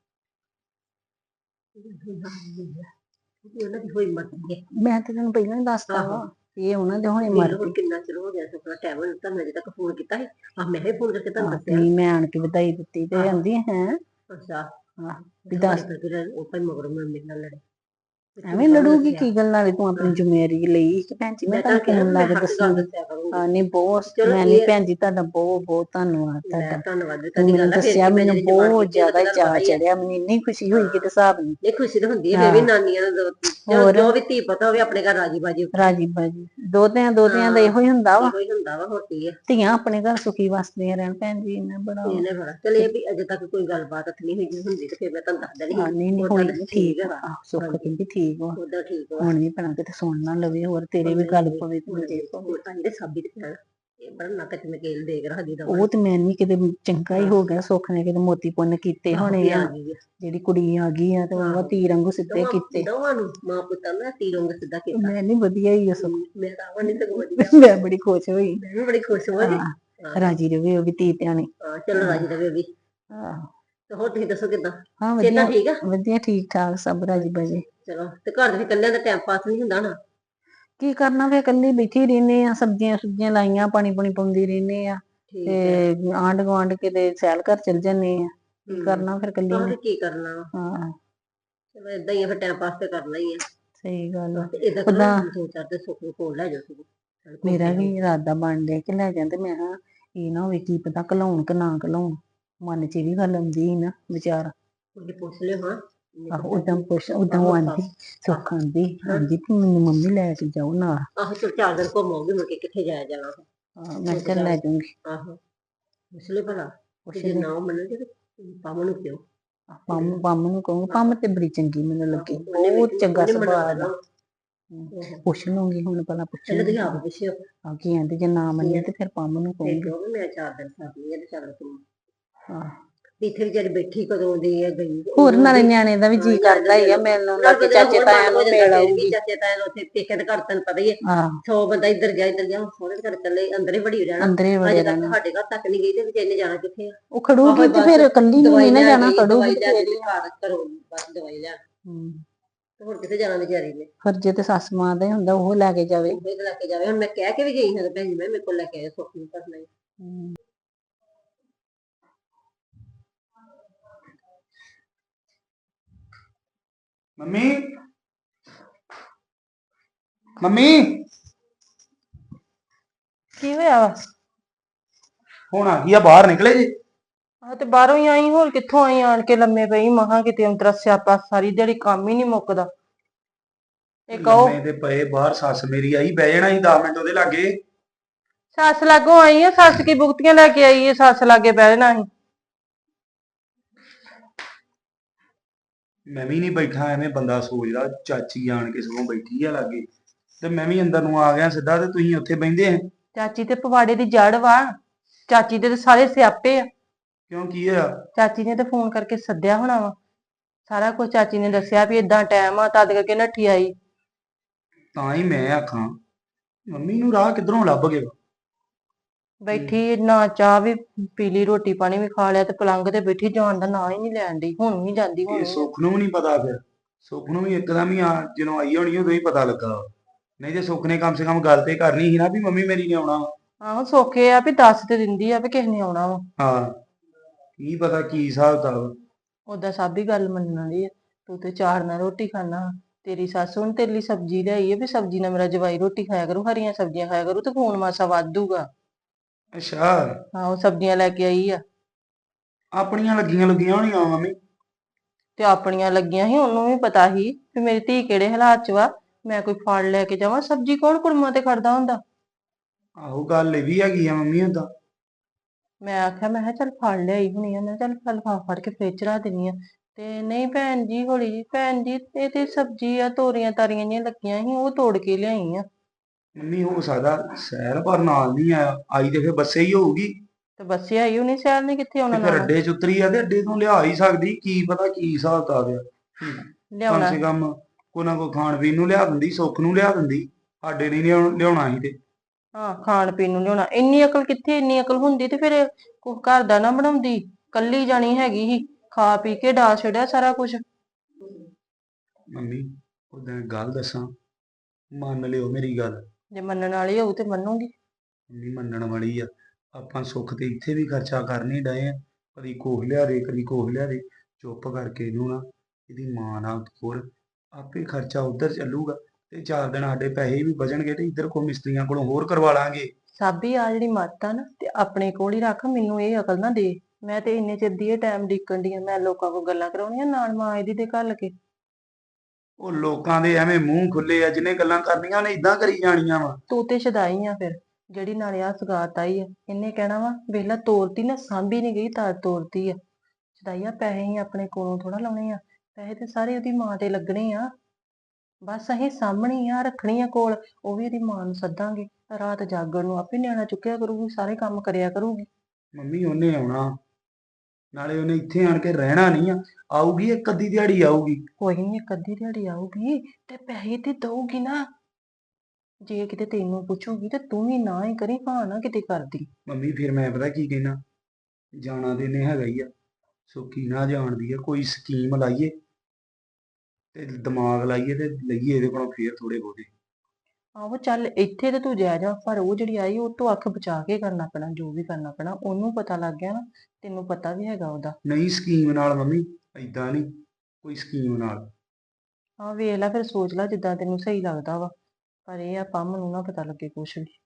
ਉਹਨਾਂ ਦੀ ਹੋਈ ਮਰਦੀ ਹੈ।
ਮੈਂ ਤੇ ਤੈਨੂੰ ਪਹਿਲਾਂ ਹੀ ਦੱਸਤਾ ਵਾ
ਆਹੋ।
ਇਹ ਉਹਨਾਂ ਦੇ ਹੁਣੇ
ਮੈਨੂੰ
ਮਰ
ਹੁਣ ਕਿੰਨਾ ਚਿਰ ਹੋ ਗਿਆ ਸੁਪਨਾ ਟਾਈਮ ਹੁਣ ਤੁਹਾਨੂੰ ਅਜੇ ਤੱਕ ਫੋਨ ਕੀਤਾ ਸੀ। ਮੈਂ ਹੀ ਫੋਨ ਕਰਕੇ ਤੁਹਾਨੂੰ ਦੱਸਿਆ।
ਨਹੀਂ ਮੈਂ ਆਣ ਕੇ ਵਧਾਈ ਦਿੱਤੀ ਤੇ ਆਂਦੀ ਹੈ
ਅੱਛਾ
ਵੀ ਦੱਸ
ਉਹ ਭਾਈ ਮਗਰ ਮੈਂ ਮੇਰੇ ਨਾਲ ਲੜੇ
ਐਵੇਂ ਲੜੂਗੀ ਕੀ ਗੱਲ ਨਾਲ ਤੂੰ ਆਪਣੀ ਜ਼ਿੰਮੇਵਾਰੀ ਲਈ ਕਿ ਭੈਣ ਜੀ ਮੈਂ ਤਾਂ ਫੋਨ ਲਾ ਕੇ ਦੱਸਾਂਗੀ। ਹਾਂ ਨਹੀਂ ਬਹੁਤ ਮੈਂ ਨਹੀਂ ਭੈਣ ਜੀ ਤੁਹਾਡਾ ਬਹੁਤ ਬਹੁਤ ਧੰਨਵਾਦ ਤੁਹਾਡਾ।
ਧੰਨਵਾਦ
ਤੂੰ ਮੈਨੂੰ ਦੱਸਿਆ ਮੈਨੂੰ ਬਹੁਤ ਜ਼ਿਆਦਾ ਚਾਅ ਚੜਿਆ ਮੈਨੂੰ ਇੰਨੀ ਖੁਸ਼ੀ ਹੋਈ ਕਿਤੇ ਹਿਸਾਬ ਨਹੀਂ।
ਇਹ ਖੁਸ਼ੀ ਤਾਂ ਹੁੰਦੀ ਹੈ ਫੇਰ ਵੀ ਨਾਨੀਆਂ ਨੂੰ ਜੋ ਵੀ ਧੀ ਪਤਾ ਹੋਵੇ ਆਪਣੇ ਘਰ ਰਾਜੀ ਬਾਜੀ
ਰਾਜੀ ਬਾਜੀ ਦੋਤਿਆਂ ਦਾ ਇਹੋ ਹੀ ਹੁੰਦਾ ਵਾ।
ਕੋਈ ਹੁੰਦਾ ਵਾ ਹੋਰ ਕੀ ਹੈ।
ਧੀਆਂ ਆਪਣੇ ਘਰ ਸੁਖੀ ਵਸਦੀਆਂ ਰਹਿਣ ਭੈਣ ਜੀ ਇਹਨਾਂ ਬੜਾ
ਇਹਨੇ ਬੜਾ ਚਲ ਇਹ ਵੀ ਅਜੇ ਤੱਕ ਕੋਈ ਗੱਲਬਾਤ ਨਹੀਂ ਹੋਈ ਹੁੰਦੀ ਤੇ ਫਿਰ ਮੈਂ ਤੁਹਾਨੂੰ ਦੱਸ ਦੇਣੀ
ਹਾਂ ਨਹੀਂ ਨਹੀਂ
ਉਹਦਾ
ਹੋਈ
ਤਾਂ
ਨੀ, ਠੀਕ ਆ ਸੁੱਖ ਕਹਿੰਦੀ ਠੀਕ ਵਾ
ਉਹਦਾ ਠੀਕ ਵਾ।
ਹੁਣ ਵੀ ਭੈਣਾ ਕਿਤੇ ਸੁਣ ਨਾ ਲਵੇ ਹੋਰ ਤੇਰੇ ਵੀ ਗੱਲ ਪਵੇ ਤੇ ਮੇਰੇ ਪਵੇ।
ਹੋਰ ਤਾਂ ਇਹਦੇ ਸਾਬਿਤ ਪੈਣ ਇਹ ਬੜਾ ਨੱਕ ਚ ਨਕੇਲ ਦੇਖ ਰੱਖਦੀ ਦਾ
ਉਹ ਤੇ ਮੈਂ ਨਹੀਂ ਕਿਤੇ ਚੰਗਾ ਹੀ ਹੋ ਗਿਆ ਸੁੱਖ ਨੇ ਕਿਤੇ ਮੋਤੀ ਪੁੰਨ ਕੀਤੇ ਹੋਣੇ ਆ ਜਿਹੜੀ ਕੁੜੀ ਆ ਗਈ ਆ ਤੇ ਉਹ ਤੀਰ ਵਾਂਗੂ ਸਿੱਧੇ ਕੀਤੇ
ਦੋਵਾਂ ਨੂੰ ਮਾਂ ਪੁੱਤਾਂ ਦਾ ਤੀਰੋਂ ਸਿੱਧਾ ਕੀਤਾ।
ਮੈਂ ਨਹੀਂ ਵਧੀਆ ਹੀ ਆ ਸੁੱਖ
ਮੈਂ ਤਾਂ ਆਵਾਂ ਨਹੀਂ ਸਗੋਂ ਵਧੀਆ
ਮੈਂ ਬੜੀ ਖੁਸ਼ ਹੋਈ
ਮੈਂ ਵੀ ਬੜੀ ਖੁਸ਼ ਹੋਈ ਜੀ।
ਰਾਜੀ ਰਵੇ ਉਹ ਵੀ ਧੀ ਧਿਆਣੀ।
ਹਾਂ ਚਲੋ ਰਾਜੀ ਰਵੇ ਵੀ।
ਆਹੋ
ਤੇ ਹੋਰ ਤੁਸੀਂ ਦੱਸੋ ਕਿੱਦਾਂ
ਹਾਂ
ਕਿੱਦਾਂ
ਵਧੀਆ
ਠੀਕ ਆ?
ਵਧੀਆ ਠੀਕ ਠਾਕ ਸਭ ਰਾਜੀ ਬਾਜੀ।
ਚਲੋ ਤੇ ਘਰ ਦੇ ਇਕੱਲਿਆਂ ਦਾ ਟਾਈਮ ਪਾਸ ਨਹੀਂ ਹੁੰਦਾ ਨਾ।
ਕੀ ਕਰਨਾ ਫੇ ਇਕੱਲੀ ਬੈਠੀ ਰਹਿੰਦੇ ਆ ਸਬਜ਼ੀਆਂ ਸੁਬਜ਼ੀਆਂ ਲਾਈਆਂ ਪਾਣੀ ਪਾਣੀ ਪਾਉਂਦੀ ਰਹਿੰਦੇ ਆ
ਠੀਕ ਹੈ
ਤੇ ਆਂਢ ਗੁਆਂਢ ਕਿਤੇ ਸੈਲ ਘਰ ਚਲ ਜਾਂਦੇ ਆ ਕੀ ਕਰਨਾ ਫਿਰ ਇਕੱਲੀ
ਆਹ
ਨੇ।
ਤੇ ਕੀ ਕਰਨਾ ਵਾ।
ਹਾਂ
ਚਲੋ ਏਦਾਂ ਹੀ ਆ ਫਿਰ ਟਾਈਮ ਪਾਸ ਤੇ ਕਰਨਾ ਹੀ ਆ।
ਸਹੀ ਗੱਲ ਆ।
ਤੇ ਏਦਾਂ ਕਰੋ
ਉੱਦਾਂ
ਦੋ ਚਾਰ ਤੇ ਸੁੱਖ ਨੂੰ ਕੋਲ ਲੈ ਜਾਓ ਸਗੋਂ।
ਮੇਰਾ ਵੀ ਇਰਾਦਾ ਬਣ ਡਿਆ ਕਿ ਲੈ ਜਾਂਦੇ ਮੈਂ ਕਿਹਾ ਇਹ ਨਾ ਹੋਵੇ ਕੀ ਪਤਾ ਘਲਾਉਣ ਕਿ ਨਾ ਘਲਾਉਣ ਮਨ ਚ ਇਹ ਵੀ ਗੱਲ ਆਉਂਦੀ ਸੀ ਨਾ ਵਿਚਾਰ।
ਉਹਦੀ ਪੁੱਛ ਲਿਓ ਹਾਂ।
ਆਹੋ ਉਦਾਂ ਪੁੱਛ ਉਦਾਂ ਉਹ ਆਂਦੀ ਸੁੱਖ ਆਂਦੀ ਵੀ ਮੈਨੂੰ ਮੰਮੀ ਲੈ ਕੇ ਜਾਓ ਨਾਲ।
ਆਹੋ ਚਲ 4 ਦਿਨ ਘੁੰਮਾਉਂਗੀ ਮੁੜ ਕੇ ਕਿੱਥੇ ਜਾਇਆ ਜਾਣਾ।
ਮੈਂ ਕਿਹਾ ਚੱਲ ਲੈ ਜਾਊਂਗੀ।
ਆਹੋ ਪੁੱਛ ਲਿਓ ਭਲਾ
ਪੁੱਛ
ਤੇ ਜੇ
ਲਈ
ਨਾ ਮੰਨਣਗੇ ਤੇ ਪਾਮ ਨੂੰ ਕਿਉਂ।
ਪੰਮ ਨੂੰ ਕਹੂੰ ਪੰਮ ਤੇ ਬੜੀ ਚੰਗੀ ਮੈਨੂੰ ਲੱਗੀ ਬਹੁਤ ਚੰਗਾ ਸੁਭਾਅ ਦਾ। ਪੁੱਛ ਲੂੰਗੀ ਹੁਣ ਭਲਾ
ਪਹਿਲਾਂ
ਪੁੱਛੂੰਗੀ
ਤੁਸੀਂ ਆਪ ਪੁੱਛਿਓ
ਆ ਕੀ ਆਂਦੇ ਜੇ ਨਾ ਮੰਨੇ ਤੇ ਫਿਰ ਪੰਮ ਨੂੰ
ਤੇ
ਕਹੂੰਗੀ।
ਕਿਉਂ ਮੈਂ 4 ਦਿਨ ਸਾਥ ਤੇ ਚੱਲ ਤੂੰ
ਹਾਂ
ਇੱਥੇ ਵਿਚਾਰੀ ਬੈਠੀ ਕਦੋਂ ਦੀ ਹੈ ਗਈ।
ਹੋਰ ਨਾਲੇ ਨਿਆਣੇ ਦਾ ਵੀ ਜੀ ਕਰਦਾ ਹੀ ਆ ਮਿਲਣ ਦਾ ਕਿ ਚਾਚੇ ਤਾਇਆ ਨੂੰ ਮਿਲ ਆਊਗੀ।
ਚਾਚੇ ਤਾਇਆ ਨੂੰ ਉੱਥੇ ਪੇਕੇ ਦੇ ਘਰ ਤੈਨੂੰ ਪਤਾ ਹੀ ਹੈ
ਹਾਂ
100 ਬੰਦਾ ਇੱਧਰ ਜਾ ਸੋਹਣੇ ਘਰ ਚੱਲੇ ਅੰਦਰ ਹੀ ਵੜੀ ਰਹਿਣਾ।
ਅੰਦਰ ਹੀ ਵੜੇ
ਅਜੇ ਤੱਕ
ਰਹਿਣਾ
ਸਾਡੇ ਘਰ ਤੱਕ ਨਹੀਂ ਗਈ ਤੇ ਵਿਚਾਰੇ ਜਾਣਾ ਕਿੱਥੇ ਆ।
ਉਹ ਖੜੂਗੀ ਤੇ ਫਿਰ ਇਕੱਲੀ ਨੂੰ ਨਹੀਂ ਨਾ ਜਾਣਾ ਖੜੂਗੀ ਤੇ
ਦਵਾਈ ਲੈ ਘਰ ਘਰੋਂ ਬਸ ਦਵਾਈ ਲੈਣ ਤੇ ਹੋਰ ਕਿੱਥੇ ਜਾਣਾ ਵਿਚਾਰੀ ਨੇ।
ਫਰਜ਼ ਤੇ ਸੱਸ ਮਾਂ ਦਾ ਹੀ ਹੁੰਦਾ ਉਹ ਲੈ ਕੇ ਜਾਵੇ।
ਉਹ ਲੈ ਕੇ ਜਾਵੇ ਹੁਣ ਮੈਂ ਕਹਿ ਕੇ ਵੀ ਗਈ ਹਾਂ ਭੈਣ ਜੀ ਮੈਂ ਮੇਰੇ ਕੋਲ ਲੈ ਕੇ ਆਇਆ ਸੁੱਖ ਨੂੰ ਕਰਨਾ ਹੀ।
ਮੰਮੀ ਮੰਮੀ
ਕੀ ਹੋਇਆ ਵਾ?
ਹੁਣ ਆ ਗਈ ਆ ਬਾਹਰ ਨਿਕਲੇ ਜੀ।
ਆ ਤੇ ਬਾਹਰੋਂ ਹੀ ਆਈ ਹੋਰ ਕਿੱਥੋਂ ਆਈ ਆਣ ਕੇ ਲੰਮੇ ਪਈ ਮਹਾ ਕਿਤੇ ਅੰਤਰਾ ਸਿਆਪਾ ਸਾਰੀ ਦਿਹਾੜੀ ਕੰਮ ਹੀ ਨਹੀਂ ਮੁੱਕਦਾ। ਇਹ ਕਹੋ
ਲੰਮੇ ਤੇ ਪਏ ਬਾਹਰ ਸੱਸ ਮੇਰੀ ਆਈ ਬਹਿ ਜਾਣਾ ਸੀ 10 ਮਿੰਟ ਉਹਦੇ ਲਾਗੇ।
ਸੱਸ ਲਾਗੋਂ ਆਈ ਆ ਸੱਸ ਕੀ ਬੁਗਤੀਆਂ ਲੈ ਕੇ ਆਈ ਏ ਸੱਸ ਲਾਗੇ ਬਹਿ ਜਾਣਾ ਸੀ।
ਮੈਂ ਵੀ ਨਹੀਂ ਬੈਠਾ ਐਵੇਂ ਬੰਦਾ ਸੋਚਦਾ ਚਾਚੀ ਆਣ ਕੇ ਸਗੋਂ ਬੈਠੀ ਆ ਲਾਗੇ ਤੇ ਮੈਂ ਵੀ ਅੰਦਰ ਨੂੰ ਆ ਗਿਆ ਸਿੱਧਾ ਤੇ ਤੁਸੀਂ ਉੱਥੇ ਬਹਿੰਦੇ ਆ।
ਚਾਚੀ ਤੇ ਪਵਾੜੇ ਦੀ ਜੜ ਵਾ ਚਾਚੀ ਦੇ ਤੇ ਸਾਰੇ ਸਿਆਪੇ ਆ।
ਕਿਉਂ ਕੀ ਹੋਇਆ?
ਚਾਚੀ ਨੇ ਤੇ ਫੋਨ ਕਰਕੇ ਸੱਦਿਆ ਹੋਣਾ ਵਾ ਸਾਰਾ ਕੁਝ ਚਾਚੀ ਨੇ ਦੱਸਿਆ ਵੀ ਇਦਾਂ ਟਾਈਮ ਆ ਤਦ ਕਰਕੇ ਨੱਠੀ ਆਈ।
ਤਾਂ ਹੀ ਮੈਂ ਆਖਾਂ ਮੰਮੀ ਨੂੰ ਰਾਹ ਕਿੱਧਰੋਂ ਲੱਭ ਗਿਆ।
ਬੈਠੀ ਨਾ ਚਾਹ ਵੀ ਪੀ ਲਈ, ਰੋਟੀ ਪਾਣੀ ਵੀ ਖਾ ਲਿਆ, ਤੇ ਪਲੰਗ ਤੇ ਬੈਠੀ ਜਾਣ ਦਾ ਨਾਂ ਹੀ ਨਹੀਂ ਲੈਣ ਡਈ। ਹੁਣ ਵੀ ਜਾਂਦੀ, ਹੁਣ
ਇਹ
ਵੀ
ਸੁੱਖ ਨੂੰ ਵੀ ਨਹੀਂ ਪਤਾ ਫਿਰ। ਸੁੱਖ ਨੂੰ ਵੀ ਇੱਕਦਮ ਹੀ ਜਦੋਂ ਆਈ ਹੋਣੀ ਉਦੋਂ ਹੀ ਪਤਾ ਲੱਗਾ ਵਾ। ਨਹੀਂ ਤੇ ਸੁੱਖ ਨੇ ਕਮ ਸੇ ਕਮ ਗੱਲ ਤੇ ਕਰਨੀ ਸੀ ਨਾ ਵੀ ਮੰਮੀ ਮੇਰੀ ਨੇ ਆਉਣਾ ਵਾ।
ਆਹੋ ਸੌਖੇ ਆ ਵੀ ਦੱਸ ਤੇ ਦਿੰਦੀ ਆ ਵੀ ਕਿਸੇ ਨੇ ਆਉਣਾ ਵਾ।
ਹਾਂ, ਕੀ ਪਤਾ ਕੀ ਹਿਸਾਬ ਕਿਤਾਬ।
ਓਦਾਂ ਸਭ ਹੀ ਗੱਲ ਮੰਨਣ ਵਾਲੀ ਆ। ਤੂੰ ਤੇ ਚਾਰ ਨਾਲ ਰੋਟੀ ਖਾਣਾ, ਤੇਰੀ ਸੱਸ ਹੁਣ ਤੇਰੇ ਲਈ ਸਬਜ਼ੀ ਲਿਆਈ ਆ ਵੀ ਸਬਜ਼ੀ ਨਾਲ ਮੇਰਾ ਜਵਾਈ ਰੋਟੀ ਖਾਇਆ ਕਰੂ, ਹਰੀਆਂ ਸਬਜ਼ੀਆਂ ਖਾਇਆ ਕਰੂ, ਤੇ ਖੂਨ ਮਾਸਾ ਵਾਧੂਗਾ।
ਅੱਛਾ,
ਆਹੋ ਸਬਜ਼ੀਆਂ ਲੈ ਕੇ ਆਈ ਆ।
ਆਪਣੀਆਂ ਲੱਗੀਆਂ ਲੱਗੀਆਂ ਹੋਣੀਆਂ ਮੰਮੀ।
ਤੇ ਆਪਣੀਆਂ ਲੱਗੀਆਂ ਸੀ, ਉਹਨੂੰ ਵੀ ਪਤਾ ਸੀ ਵੀ ਮੇਰੀ ਧੀ ਕਿਹੜੇ ਹਾਲਾਤ 'ਚ ਵਾ। ਮੈਂ ਕੋਈ ਫਲ ਲੈ ਕੇ ਜਾਵਾਂ, ਸਬਜ਼ੀ ਕੌਣ ਕੁੜਮਾਂ ਤੇ ਖੜਦਾ ਹੁੰਦਾ।
ਆਹੋ ਗੱਲ ਇਹ ਵੀ ਹੈਗੀ ਆ ਮੰਮੀ ਓਦਾਂ।
ਮੈਂ ਆਖਿਆ, ਮੈਂ ਕਿਹਾ ਚੱਲ ਫਲ ਲਿਆਈ ਹੋਣੀ ਆ, ਮੈਂ ਕਿਹਾ ਚੱਲ ਫਲ ਫੜ ਕੇ ਫ੍ਰਿਜ 'ਚ ਰੱਖ ਦਿੰਦੀ ਆ। ਤੇ ਨਹੀਂ ਭੈਣ ਜੀ, ਹੌਲੀ ਜੀ ਭੈਣ ਜੀ, ਇਹ ਤੇ ਸਬਜ਼ੀ ਆ, ਤੋਰੀਆਂ ਤਾਰੀਆਂ ਜਿਹੀਆਂ ਲੱਗੀਆਂ ਸੀ, ਉਹ ਤੋੜ ਕੇ ਲਿਆਈ ਆ।
ਮੰਮੀ ਹੋ ਸਕਦਾ ਸਹਿਰ ਪਰ ਨਾਲ ਨਹੀਂ ਆਇਆ, ਆਈ ਤੇ ਫਿਰ ਬੱਸੇ ਹੀ ਹੋਊਗੀ।
ਤੇ ਬੱਸੇ ਆਈ ਹੋਣੀ, ਸ਼ਹਿਰ ਨੇ ਕਿੱਥੇ ਆਉਣਾ
ਤੇ ਫਿਰ
ਨਾਲ।
ਅੱਡੇ ਚ ਉਤਰੀ ਆ ਤੇ ਅੱਡੇ ਤੋਂ ਲਿਆ ਹੀ ਸਕਦੀ, ਕੀ ਪਤਾ ਕੀ ਹਿਸਾਬ ਕਿਤਾਬ ਆ। ਕਮ
ਲਿਆਉਣਾ
ਸੇ ਕਮ ਕੋਈ ਨਾ ਕੋਈ ਖਾਣ ਪੀਣ ਨੂੰ ਲਿਆ ਦਿੰਦੀ, ਸੁੱਖ ਨੂੰ ਲਿਆ ਦਿੰਦੀ, ਸਾਡੇ ਨਹੀਂ ਲਿਆਉਣਾ ਸੀ ਤੇ।
ਹਾਂ, ਖਾਣ ਪੀਣ ਨੂੰ ਲਿਆਉਣਾ, ਇੰਨੀ ਅਕਲ ਕਿੱਥੇ, ਇੰਨੀ ਅਕਲ ਹੁੰਦੀ ਤੇ ਫਿਰ ਕੁਛ ਘਰ ਦਾ ਨਾ ਬਣਾਉਂਦੀ। ਕੱਲੀ ਜਾਣੀ ਹੈਗੀ ਸੀ, ਖਾ ਪੀ ਕੇ ਡਾ ਛੱਡਿਆ ਸਾਰਾ ਕੁਝ।
ਮੰਮੀ ਉਦਾਂ ਇੱਕ ਗੱਲ ਦੱਸਾਂ, ਮੰਨ ਲਿਓ ਮੇਰੀ ਗੱਲ।
ਜੇ ਮੰਨਣ ਵਾਲੀ ਹੋਊ ਤੇ ਮੰਨੂਗੀ।
ਮੰਮੀ ਮੰਨਣ ਵਾਲੀ ਆ। ਆਪਾਂ ਸੁੱਖ ਤੇ ਇੱਥੇ ਵੀ ਖਰਚਾ ਕਰਨੇ ਡਏ ਆ, ਕਦੀ ਕੋਹ ਲਿਆ ਦੇ, ਕਦੀ ਕੋਹ ਲਿਆ ਦੇ। ਚੁੱਪ ਕਰਕੇ ਇਹਨੂੰ ਨਾ ਇਹਦੀ ਮਾਂ ਨਾਲ ਹੋਰ ਆਪੇ ਖਰਚਾ ਉਧਰ ਚੱਲੂਗਾ, ਤੇ 4 ਦਿਨ ਸਾਡੇ ਪੈਸੇ ਵੀ ਬਚਣਗੇ, ਤੇ ਇੱਧਰ ਕੋ ਮਿਸਤਰੀਆਂ ਕੋਲੋਂ ਹੋਰ ਕਰਵਾ ਲਾਂਗੇ।
ਸਾਬੀ ਆ ਜਿਹੜੀ ਮੱਤ ਆ ਨਾ, ਤੇ ਆਪਣੇ ਕੋਲ ਹੀ ਰੱਖ, ਮੈਨੂੰ ਇਹ ਅਕਲ ਨਾ ਦੇ। ਮੈਂ ਤੇ ਇੰਨੇ ਚਿਰ ਦੀ ਇਹ ਟਾਈਮ ਡੀਕਣ ਦੀ ਆ, ਮੈਂ ਲੋਕਾਂ ਕੋਲ ਗੱਲਾਂ ਕਰਾਉਣੀਆਂ ਨਾਲ ਮਾਂ ਇਹਦੀ ਤੇ ਘੱਲ ਕੇ।
ਉਹ ਲੋਕਾਂ ਦੇ ਐਵੇਂ ਮੂੰਹ ਖੁੱਲੇ ਆ, ਜਿਹਨੇ ਗੱਲਾਂ ਕਰਨੀਆਂ ਉਹਨੇ ਇਦਾਂ ਕਰੀ ਜਾਣੀਆਂ ਵਾ।
ਤੂੰ ਤੇ ਸ਼ਦਾਈ ਆ ਫਿਰ, ਜਿਹੜੀ ਨਾਲੇ ਆ ਸਗਾਤ ਆਈ ਆ, ਇਹਨੇ ਕਹਿਣਾ ਵਾ ਵੇਖਲਾ ਤੋਰਤੀ ਨਾ, ਸਾਂਭੀ ਨਹੀਂ ਗਈ ਤਾਂ ਤੋਰਤੀ ਆ। ਸ਼ਦਾਈਆ, ਪੈਸੇ ਹੀ ਆਪਣੇ ਕੋਲੋਂ ਥੋੜਾ ਲਾਉਣੇ ਆ, ਪੈਸੇ ਤੇ ਸਾਰੇ ਉਹਦੀ ਮਾਂ ਤੇ ਲੱਗਣੇ ਆ। ਬਸ ਅਸੀਂ ਸਾਂਭਣੀ ਆ, ਰੱਖਣੀ ਆ ਕੋਲ, ਉਹ ਵੀ ਇਹਦੀ ਮਾਂ ਨੂੰ ਸੱਦਾਂਗੇ, ਰਾਤ ਜਾਗਣ ਨੂੰ ਆਪੇ ਨਿਆਣਾ ਚੁੱਕਿਆ ਕਰੂਗੀ, ਸਾਰੇ ਕੰਮ ਕਰਿਆ ਕਰੂਗੀ।
ਮੰਮੀ ਉਹਨੇ ਆਉਣਾ, ਨਾਲੇ ਉਹਨੇ ਇੱਥੇ ਆਣ ਕੇ ਰਹਿਣਾ ਨਹੀਂ ਆ। ਆਊਗੀ ਇੱਕ ਅੱਧੀ ਦਿਹਾੜੀ ਆਊਗੀ।
ਕੋਈ ਨਹੀਂ, ਇੱਕ ਅੱਧੀ ਦਿਹਾੜੀ ਆਊਗੀ ਤੇ ਪੈਸੇ ਤੇ ਦਊਗੀ ਨਾ। ਜੇ ਕਿਤੇ ਤੈਨੂੰ ਪੁੱਛੂਗੀ ਤੇ ਤੂੰ ਵੀ ਨਾ ਹੀ ਕਰੀ, ਹਾਂ ਨਾ ਕਿਤੇ ਕਰਦੀ।
ਮੰਮੀ ਫਿਰ ਮੈਂ ਪਤਾ ਕੀ ਕਹਿਣਾ, ਜਾਣਾ ਤੇ ਇਹਨੇ ਹੈਗਾ ਹੀ ਆ, ਸੁੱਕੀ ਨਾ ਜਾਣਦੀ ਆ, ਕੋਈ ਸਕੀਮ ਲਾਈਏ ਤੇ ਦਿਮਾਗ ਲਾਈਏ ਤੇ ਲਈਏ ਇਹਦੇ ਕੋਲੋਂ ਫੇਰ ਥੋੜੇ ਬਹੁਤੇ।
ਆਹੋ ਚੱਲ, ਇੱਥੇ ਤੇ ਤੂੰ ਜਾ ਪਰ ਉਹ ਜਿਹੜੀ ਆਈ ਉਹ ਤੋਂ ਅੱਖ ਬਚਾ ਕੇ ਕਰਨਾ ਪੈਣਾ, ਜੋ ਵੀ ਕਰਨਾ ਪੈਣਾ। ਉਹਨੂੰ ਪਤਾ ਲੱਗ ਗਿਆ ਨਾ, ਤੈਨੂੰ ਪਤਾ ਵੀ ਹੈਗਾ ਉਹਦਾ।
ਨਹੀਂ ਸਕੀਮ ਨਾਲ ਮੰਮੀ, ਏਦਾਂ ਨਹੀਂ, ਕੋਈ ਸਕੀਮ ਨਾਲ।
ਹਾਂ ਵੇਖ ਲੈ, ਫਿਰ ਸੋਚ ਲੈ ਜਿੱਦਾਂ ਤੈਨੂੰ ਸਹੀ ਲੱਗਦਾ ਵਾ, ਪਰ ਇਹ ਆ ਪੰਮ ਨੂੰ ਨਾ ਪਤਾ ਲੱਗੇ ਕੁਛ ਵੀ।